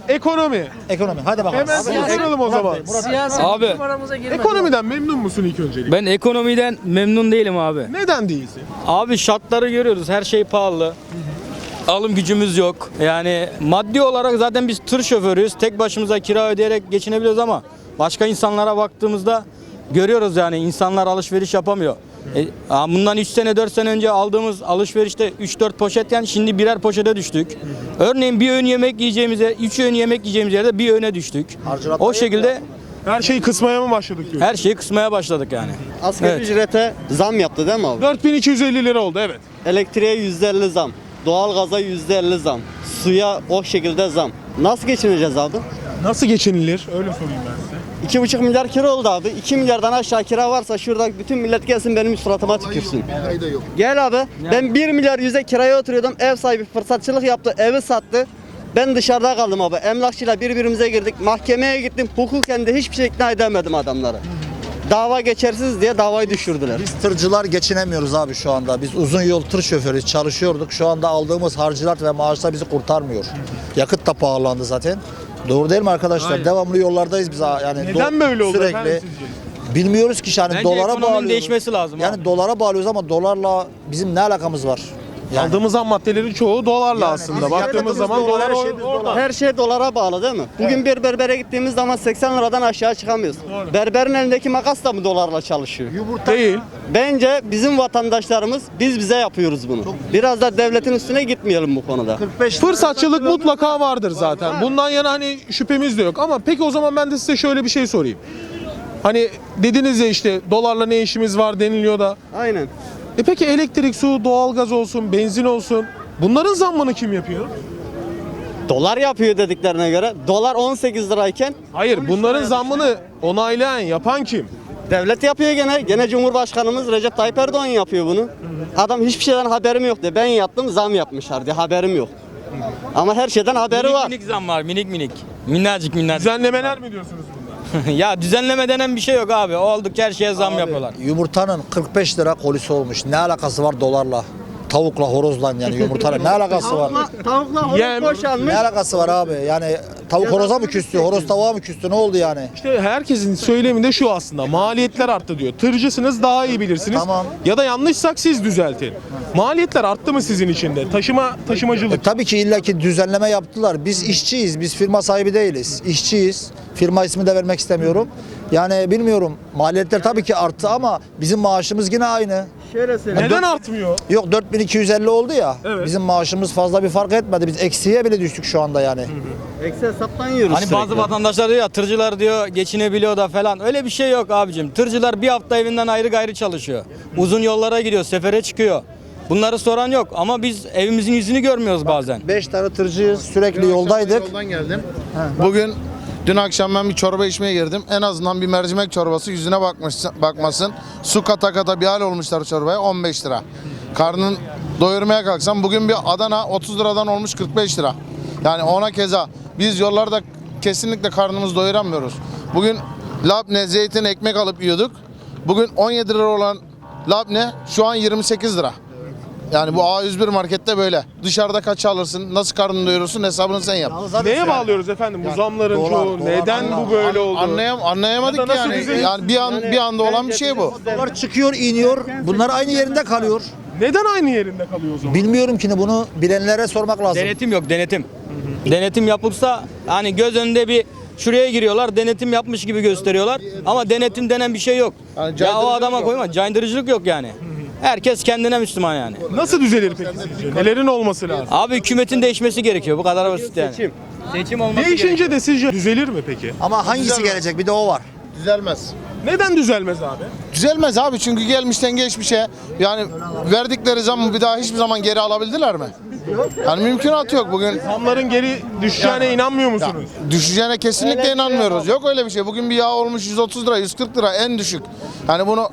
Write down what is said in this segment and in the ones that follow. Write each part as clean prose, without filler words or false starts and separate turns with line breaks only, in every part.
Ekonomi.
Ekonomi. Hadi bakalım.
Hemen soralım o zaman.
Siyasi
Abi.
numaramıza girmedi.
Ekonomiden memnun musun ilk öncelikle?
Ben ekonomiden memnun değilim abi.
Neden değilsin?
Abi şartları görüyoruz. Her şey pahalı. Alım gücümüz yok. Yani maddi olarak zaten biz tır şoförüyüz. Tek başımıza kira ödeyerek geçinebiliyoruz ama başka insanlara baktığımızda görüyoruz yani insanlar alışveriş yapamıyor. Bundan 3 sene 4 sene önce aldığımız alışverişte 3-4 poşetken şimdi birer poşete düştük. Örneğin bir öğün yemek yiyeceğimize 3 öğün yemek yiyeceğimiz yerde bir öğüne düştük. O şekilde
Her şeyi kısmaya mı başladık diyorsun?
her şeyi kısmaya başladık yani.
Asgari
Evet.
ücrete zam yaptı değil mi abi?
4250 lira oldu evet.
Elektriğe %50 zam. Doğalgaza %50 zam. Suya o şekilde zam. Nasıl geçineceğiz abi?
Nasıl geçinilir? Öyle sorayım ben size.
2,5 milyar kira oldu abi. 2 milyardan aşağı kira varsa şurada bütün millet gelsin benim suratıma tükürsün. Gel abi. Ben 1 milyar 100'e kiraya oturuyordum. Ev sahibi fırsatçılık yaptı. Evi sattı. Ben dışarıda kaldım abi. Emlakçıyla birbirimize girdik. Mahkemeye gittim. Hukuken de hiçbir şey ikna edemedim adamları. Dava geçersiz diye davayı düşürdüler.
Biz tırcılar geçinemiyoruz abi şu anda. Biz uzun yol tır şoförüyüz, çalışıyorduk. Şu anda aldığımız harcılat ve maaşlar bizi kurtarmıyor. Yakıt da pahalandı zaten. Doğru değil mi arkadaşlar?
Aynen.
Devamlı yollardayız biz yani.
Neden böyle oldu
sürekli.
efendim sizce?
Bilmiyoruz ki yani
Bence
dolara
ekonominin
bağlıyoruz.
değişmesi lazım
Yani
abi.
dolara bağlıyoruz ama dolarla bizim ne alakamız var? Yani
Aldığımız ham maddelerin çoğu dolarla aslında.
biz
Baktığımız
yakıtımız
zaman
dolar,
dolar
her şey biz
orada.
dolar.
Her şey dolara bağlı değil mi? Bugün bir berbere gittiğimiz zaman 80 liradan aşağı çıkamıyoruz. Berberin elindeki makas da mı dolarla çalışıyor?
Değil.
Bence bizim vatandaşlarımız biz bize yapıyoruz bunu. Biraz da devletin üstüne gitmeyelim bu konuda.
45
Fırsatçılık mutlaka vardır zaten. Bundan yana hani şüphemiz de yok. Ama peki o zaman ben de size şöyle bir şey sorayım. Hani dediniz ya işte dolarla ne işimiz var deniliyor da.
Aynen.
Peki elektrik, su, doğalgaz olsun, benzin olsun. Bunların zammını kim yapıyor?
Dolar yapıyor dediklerine göre. Dolar 18 lirayken
Hayır,
13
bunların
liraya
zammını onaylayan, yapan kim?
devlet yapıyor gene. Gene Cumhurbaşkanımız Recep Tayyip Erdoğan yapıyor bunu. Adam hiçbir şeyden haberim yok diye. Ben yaptım zam yapmışlar diye haberim yok. Ama her şeyden haberi
Minik
var.
minik zam var minik minik. Minnacık minnacık.
Düzenlemeler mi diyorsunuz bunlar?
Ya düzenleme denen bir şey yok abi. Oldukça her şeye zam yapıyorlar.
Yumurtanın 45 lira kolisi olmuş. Ne alakası var dolarla? Tavukla, horozla yani yumurtanın ne alakası var?
Tavukla horoz
Yem.
boşalmış.
Ne alakası var abi? Yani tavuk horoza mı küstü? Horoz tavuğa mı küstü? Ne oldu yani?
İşte herkesin söylemi de şu aslında. Maliyetler arttı diyor. Tırcısınız daha iyi bilirsiniz.
Tamam.
Ya da yanlışsak siz düzeltin. Maliyetler arttı mı sizin için de? Taşımacılık.
Tabii ki illaki düzenleme yaptılar. Biz işçiyiz. Biz firma sahibi değiliz. İşçiyiz. Firma ismi de vermek istemiyorum. Yani bilmiyorum. Maliyetler tabii ki arttı ama bizim maaşımız yine aynı.
Şöyle söyleyeyim.
Neden artmıyor?
Yok 4250 oldu ya.
Evet.
Bizim maaşımız fazla bir fark etmedi. Biz eksiye bile düştük şu anda yani.
Eksi hesaptan yiyoruz
Hani bazı
sürekli.
vatandaşlar diyor ya tırcılar diyor geçinebiliyor da falan. Öyle bir şey yok abicim. Tırcılar bir hafta evinden ayrı gayrı çalışıyor. Uzun yollara gidiyor, sefere çıkıyor. Bunları soran yok ama biz evimizin yüzünü görmüyoruz bazen.
5 tane tırcıyız. Sürekli yoldaydık.
Yoldan geldim. Bugün dün akşam ben bir çorba içmeye girdim. En azından bir mercimek çorbası yüzüne bakmasın. Su kata kata bir hal olmuşlar çorbaya 15 lira. Karnın doyurmaya kalksam bugün bir Adana 30 liradan olmuş 45 lira. Yani ona keza biz yollarda kesinlikle karnımızı doyuramıyoruz. Bugün labne, zeytin, ekmek alıp yiyorduk. Bugün 17 lira olan labne şu an 28 lira. Yani bu A101 markette böyle. Dışarıda kaç alırsın, nasıl karnını doyurursun hesabını sen yap.
Neye bağlıyoruz efendim bu zamların
dolar,
çoğu?
dolar,
Neden bu böyle oldu?
Anlayamadık
Ya da nasıl
yani.
düzelir?
Yani bir anda olan bir şey bu.
Dolar çıkıyor, iniyor. Bunlar aynı yerinde kalıyor.
Neden aynı yerinde kalıyor o zaman?
Bilmiyorum ki bunu bilenlere sormak lazım.
Denetim yok, denetim. Denetim yapılsa hani göz önünde bir şuraya giriyorlar, denetim yapmış gibi gösteriyorlar ama denetim denen bir şey yok.
Yani
Ya o
caydırıcılık
adama
yok.
koyma, caydırıcılık yok yani. Herkes kendine Müslüman yani.
Nasıl düzelir peki sizce? Nelerin olması lazım?
Abi hükümetin değişmesi gerekiyor. Bu kadar basit yani.
Seçim.
Seçim olması gerekiyor.
Değişince de sizce düzelir mi peki?
Ama hangisi gelecek? Bir de o var.
Düzelmez.
Neden düzelmez abi?
Düzelmez abi çünkü gelmişten geçmişe yani verdikleri zammı bir daha hiçbir zaman geri alabildiler mi? Yani mümkünatı yok bugün.
Zamların geri düşeceğine inanmıyor musunuz?
Düşeceğine kesinlikle inanmıyoruz. Yok öyle bir şey. Bugün bir yağ olmuş 130 lira, 140 lira en düşük. Yani bunu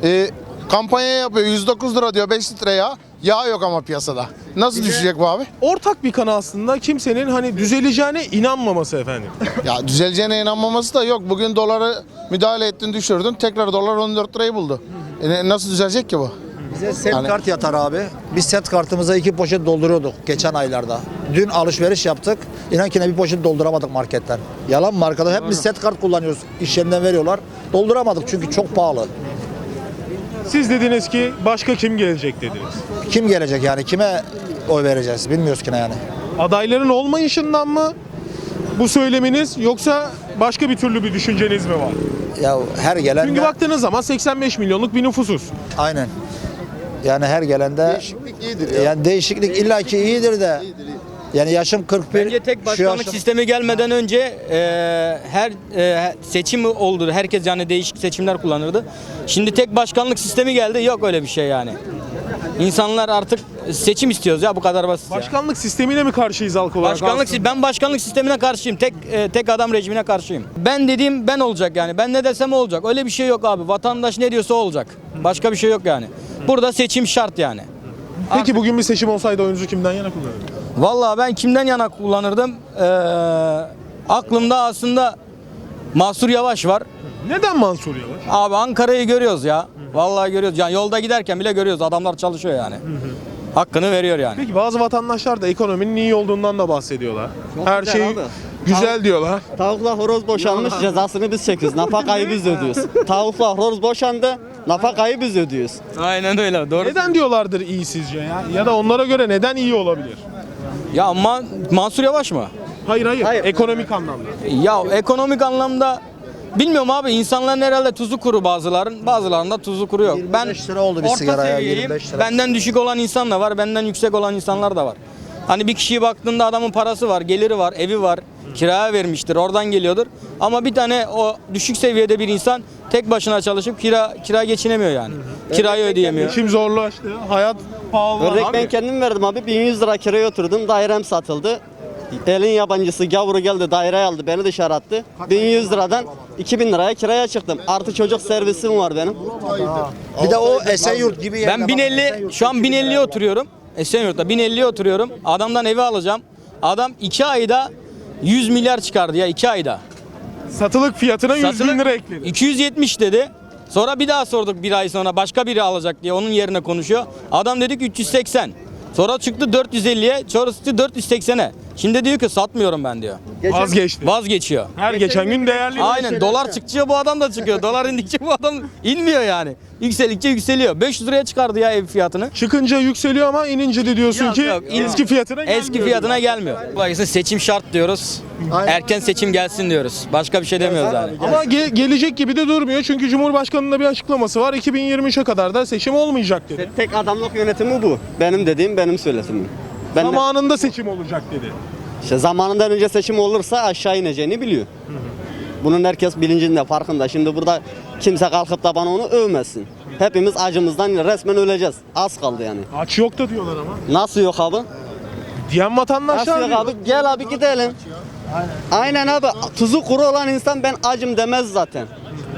kampanya yapıyor 109 lira diyor 5 litre yağ. Yağ yok ama piyasada. Nasıl düşecek bu abi?
Ortak bir kanı aslında kimsenin hani düzeleceğine inanmaması efendim.
Ya düzeleceğine inanmaması da yok. Bugün doları müdahale ettin düşürdün. Tekrar dolar 14 lirayı buldu. Nasıl düzelecek ki bu?
Bize set
Yani-
kart yatar abi. Biz set kartımıza 2 poşet dolduruyorduk geçen aylarda. Dün alışveriş yaptık. İnan ki ne bir poşet dolduramadık marketten. Yalan mı arkadaş? Hep biz set kart kullanıyoruz. İş yerinden veriyorlar. Dolduramadık çünkü çok pahalı.
Siz dediniz ki başka kim gelecek dediniz.
Kim gelecek yani? Kime oy vereceğiz? Bilmiyoruz ki ne yani.
Adayların olmayışından mı bu söyleminiz yoksa başka bir türlü bir düşünceniz mi var?
Ya her gelen
Çünkü
de-
baktığınız zaman 85 milyonluk bir nüfusuz.
aynen. Yani her gelende
Değişiklik iyidir ya.
yani değişiklik illaki iyidir de. Yani yaşım 41.
Bence tek
şu
başkanlık
yaşım-
sistemi gelmeden önce her seçim oldu. Herkes yani değişik seçimler kullanırdı. Şimdi tek başkanlık sistemi geldi. Yok öyle bir şey yani. İnsanlar artık seçim istiyoruz ya, bu kadar basit ya.
Başkanlık sistemine mi karşıyız halk olarak?
Ben başkanlık sistemine karşıyım. Tek adam rejimine karşıyım. Ben dediğim ben olacak yani. Ben ne desem o olacak. Öyle bir şey yok abi. Vatandaş ne diyorsa o olacak. Başka bir şey yok yani. Burada seçim şart yani.
Peki bugün bir seçim olsaydı oyunuzu kimden yana kullanırdınız?
Vallahi ben kimden yana kullanırdım? Aklımda aslında Mansur Yavaş var.
Neden Mansur Yavaş?
Abi Ankara'yı görüyoruz ya. Vallahi görüyoruz. Yani yolda giderken bile görüyoruz. Adamlar çalışıyor yani. Hakkını veriyor yani.
Peki bazı vatandaşlar da ekonominin iyi olduğundan da bahsediyorlar. Her
güzel
şey
abi.
güzel diyorlar.
Tavukla horoz boşanmış, cezasını biz çekiyoruz. Nafakayı biz ödüyoruz. Tavukla horoz boşandı, nafakayı biz ödüyoruz.
Aynen öyle. Doğru.
Neden diyorlardır iyi sizce ya? Ya da onlara göre neden iyi olabilir?
Ya Mansur Yavaş mı?
Hayır hayır,
Hayır.
ekonomik anlamda.
Ya ekonomik anlamda bilmiyorum abi, insanların herhalde tuzu kuru bazılarında tuzu kuru yok.
25 lira oldu bir
orta
sigaraya,
seviyeyim.
25 lira.
Benden düşük olan insan da var, benden yüksek olan insanlar da var. Hani bir kişiye baktığında adamın parası var, geliri var, evi var, kiraya vermiştir, oradan geliyordur. Ama bir tane o düşük seviyede bir insan tek başına çalışıp kira geçinemiyor yani. Kirayı ödeyemiyor.
Geçim zorlaştı, hayat pahalı.
Örnek
Abi,
ben kendim verdim abi. 1100 lira kiraya oturdum. Dairem satıldı. Elin yabancısı gavuru geldi, daireyi aldı, beni dışarı attı. 1100 liradan 2000 liraya kiraya çıktım. Artı çocuk servisim var benim.
Bir de o Esenyurt gibi yerine
Ben
bak,
1050
Esenyurt
şu an 1050'ye oturuyorum. Esenyurt'ta 1050'ye oturuyorum. Adamdan evi alacağım. Adam 2 ayda 100 milyar çıkardı ya, 2 ayda.
satılık fiyatına 100 bin
Satılık
lira ekledi.
270 dedi. Sonra bir daha sorduk, bir ay sonra başka biri alacak diye onun yerine konuşuyor. Adam dedik 380. Sonra çıktı 450'ye, sonra çıktı 480'e. Şimdi diyor ki satmıyorum ben diyor.
Vazgeçti.
Vazgeçiyor.
Her geçen gün değerli.
Aynen, dolar çıktıkça bu adam da çıkıyor. Dolar indikçe bu adam inmiyor yani. Yükseldikçe yükseliyor. 500 liraya çıkardı ya ev fiyatını.
Çıkınca yükseliyor ama inince de diyorsun
Yok,
ki
yok,
eski fiyatına gelmiyor.
Eski fiyatına gelmiyor. Dolayısıyla seçim şart diyoruz. Erken seçim gelsin diyoruz. Başka bir şey demiyoruz yani.
Ama gelecek gibi de durmuyor çünkü Cumhurbaşkanı'nın da bir açıklaması var. 2023'e kadar da seçim olmayacak dedi.
Tek adamlık yönetimi bu. Benim dediğim benim söyletimim. Ben de,
Zamanında seçim olacak dedi.
işte zamanından önce seçim olursa aşağı ineceğini biliyor. Bunun herkes bilincinde, farkında. Şimdi burada kimse kalkıp da bana onu övmesin. Hepimiz acımızdan resmen öleceğiz. Az kaldı yani.
Aç yok da diyorlar ama.
Nasıl yok abi?
Diyen vatandaşlar
Nasıl yok
diyor.
abi? Gel abi gidelim. Aynen abi. Tuzu kuru olan insan ben acım demez zaten.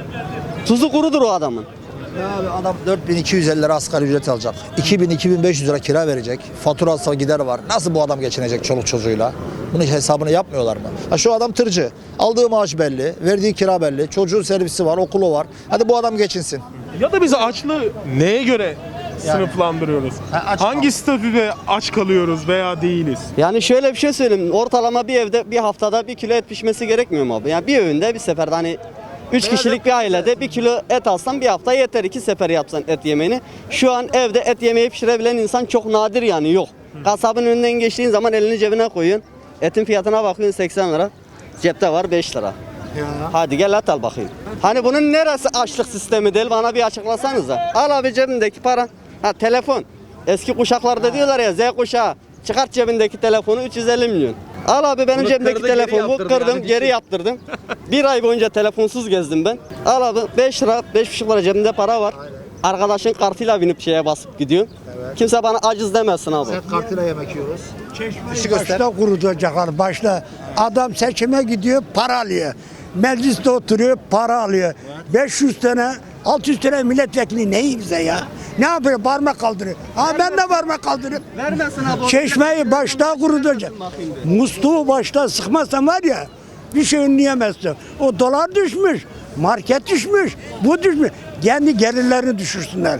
Tuzu kurudur o adamın.
Abi adam 4250 lira asgari ücret alacak. 2000-2500 lira kira verecek. Faturası gider var. Nasıl bu adam geçinecek çoluk çocuğuyla? Bunun hesabını yapmıyorlar mı? Ha şu adam tırcı. Aldığı maaş belli, verdiği kira belli, çocuğun servisi var, okulu var. Hadi bu adam geçinsin.
Ya da biz açlığı neye göre sınıflandırıyoruz?
aç
Hangi statüde aç kalıyoruz veya değiliz?
Yani şöyle bir şey söyleyeyim. Ortalama bir evde bir haftada 1 kilo et pişmesi gerekmiyor mu abi? Yani bir öğünde bir seferde hani 3 kişilik bir ailede 1 kilo et alsan bir hafta yeter, 2 sefer yapsan et yemeğini. Şu an evde et yemeği pişirebilen insan çok nadir yani yok. Kasabın önünden geçtiğin zaman elini cebine koyuyorsun. Etin fiyatına bakıyorsun 80 lira. Cepte var 5 lira. Hadi gel et al bakayım. Hani bunun neresi açlık sistemi değil, bana bir açıklasanıza. Al abi cebindeki para. Ha telefon. Eski kuşaklarda diyorlar ya Z kuşağı. Çıkart cebindeki telefonu 350 milyon. Al abi benim
Bunu
cebimdeki
kırdı, geri
telefonumu
yaptırdı
kırdım,
yani.
geri yaptırdım. Bir ay boyunca telefonsuz gezdim ben. Al abi 5 lira, 5,5 lira cebimde para var. Arkadaşın kartıyla binip şeye basıp gidiyorsun. Kimse bana aciz demesin abi.
Kartıyla yemek yiyoruz.
Başta kurulacaklar başta. Adam seçime gidiyor para alıyor. Mecliste oturuyor para alıyor. 500 tane 600 tane milletvekili neyi bize ya? Ne yapıyor? Parmak kaldırıyor. Ha ben de parmak kaldırıyorum.
Vermesin abi.
Çeşmeyi başta kurulacak. Musluğu başta sıkmazsan var ya bir şey önleyemezsin. O dolar düşmüş. Market düşmüş. Bu düşmüş. Kendi gelirlerini düşürsünler.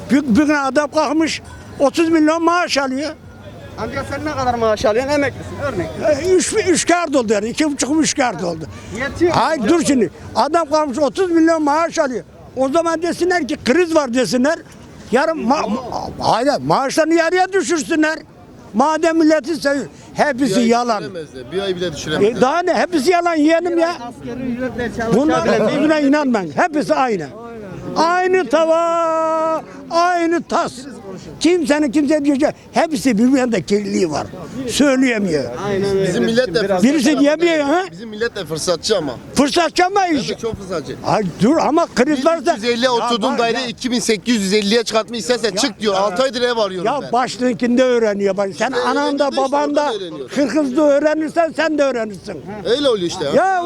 Bir adam kalkmış 30 milyon maaş alıyor.
Amca sen ne kadar maaş alıyorsun? Emeklisin örnek.
3 kart oldu yani. 2,5 kart oldu.
Yetiyor.
Hayır dur şimdi. Adam kalkmış 30 milyon maaş alıyor. O zaman desinler ki kriz var desinler. Yarın hayır maaşlarını yarıya düşürsünler. Madem milleti seviyor. Hepsi yalan.
Bir ay bile düşüremez.
Daha ne? Hepsi yalan yeğenim ya.
Asgari ücretle
Bunlar
çalışabilen
buna inanmayın. Hepsi aynı. Aynı tava, aynı tas. Kimse diyecek. Hepsi birbirinde kirliliği var. Söyleyemiyor.
Bizim millet de fırsatçı.
Birisi diyemiyor ha.
Bizim millet de fırsatçı ama.
Fırsatçı ama iş.
Evet, çok fırsatçı.
Ay dur ama kriz varsa.
1350 oturduğum daire 2850'ye çıkartmayı istersen çık diyor. 6 aydır ev arıyorum
Ya
ben.
başlıkinde öğreniyor. Bak, sen ananda
öğrenci de işte
babanda
oradan öğreniyor.
Kırgız'da öğrenirsen sen de öğrenirsin.
Öyle oluyor işte ya.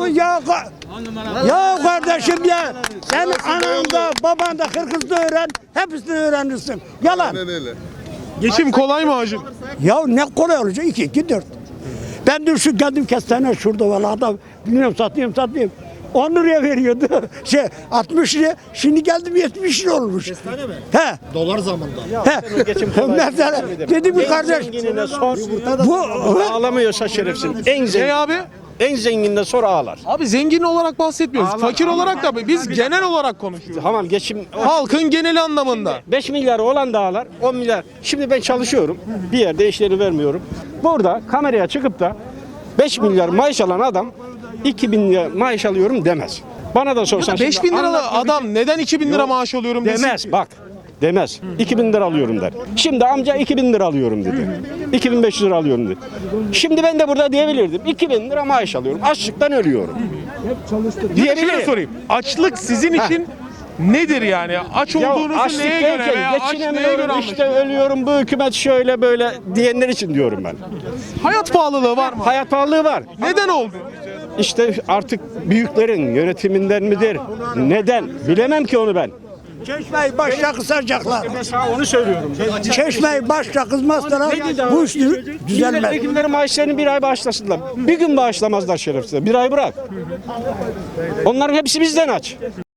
Ya kardeşim ya sen ananda babanda Kırgız'da öğren hepsini öğrenirsin. Yalan.
Aynen öyle.
Geçim kolay mı hacım?
Ya ne kolay olacak 2 4. Ben de şu geldim kestane şurada valla adam bilmiyorum satayım. 10 liraya veriyordu. 60 liraya. Şimdi geldim 70 lira olmuş. Kestane mi? He.
Dolar zamanında.
He. Mesela dedim ki kardeş
Zenginine sor.
bu
Ağlamıyorsa şerefsiz. En
Ne
zengin.
abi?
En zenginine sor ağlar.
Abi zengin olarak bahsetmiyoruz. Fakir olarak da biz genel olarak konuşuyoruz.
Tamam geçim.
Halkın geneli anlamında.
5 milyar olan da ağlar. 10 milyar. Şimdi ben çalışıyorum. Bir yerde işlerini vermiyorum. Burada kameraya çıkıp da 5 milyar maaş alan adam 2.000 lira maaş alıyorum demez. Bana da sorsan.
5 bin
şimdi
liralı
anlatmak
adam neden 2 bin lira
Yok,
maaş alıyorum desin
demez
ki?
bak. Demez. 2.000 lira alıyorum der. Şimdi amca 2.000 lira alıyorum dedi. 2.500 lira alıyorum dedi. Şimdi ben de burada diyebilirdim. 2.000 lira maaş alıyorum. Açlıktan ölüyorum.
Bir de şöyle
Diyebilirim.
sorayım. Açlık sizin için nedir yani? Aç
Ya
olduğunuzu
açlık
neye göre
derken
veya aç neye göre
geçinemiyorum işte
anlaşılıyor?
ölüyorum bu hükümet şöyle böyle diyenler için diyorum ben.
Hayat pahalılığı var mı?
Hayat pahalılığı var.
Neden oldu?
İşte artık büyüklerin yönetiminden midir? Neden? Bilemem ki onu ben.
Çeşmeyi başta kısacaklar.
Mesela onu söylüyorum.
Çeşmeyi başta kızmazlar. Bu iş düzelmez.
Milletvekilleri maaşlarını bir ay bağışlasınlar. Bir gün bağışlamazlar şerefsiz. Bir ay bırak. Onların hepsi bizden aç.